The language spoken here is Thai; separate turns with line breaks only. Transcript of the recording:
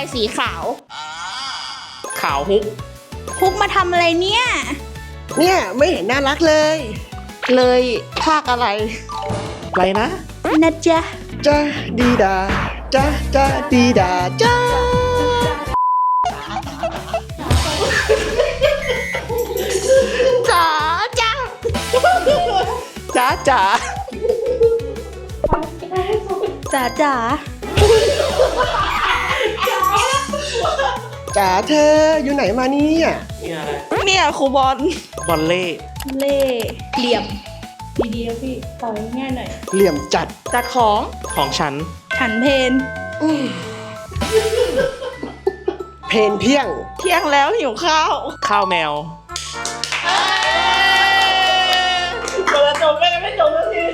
สีขาว
ขาวฮุก
ฮุกมาทำอะไรเนี่ย
เนี่ยไม่เห็นน่ารักเลย
เลยภาคอะไรอะไรนะ
นะจ๊ะ
จ้าดีดาจ้าจ้าดีดาจ้า
จ๋าจ้าจ๋าจ๋า
จ๋าจ๋า
จ๋าเธออยู่ไหนมาเนี่ย
เนี่ยครูบอลบอลเล่
เล่เหลี่ยม ดีๆนะพี่ต่อง่ายหน่อย
เหลี่ยมจัด
จัดของ
ของฉัน
ฉันเพน
เพนเที่ยง
เที่ยงแล้วหิวข้าว
ข้าวแมว
จบไม่จบเลย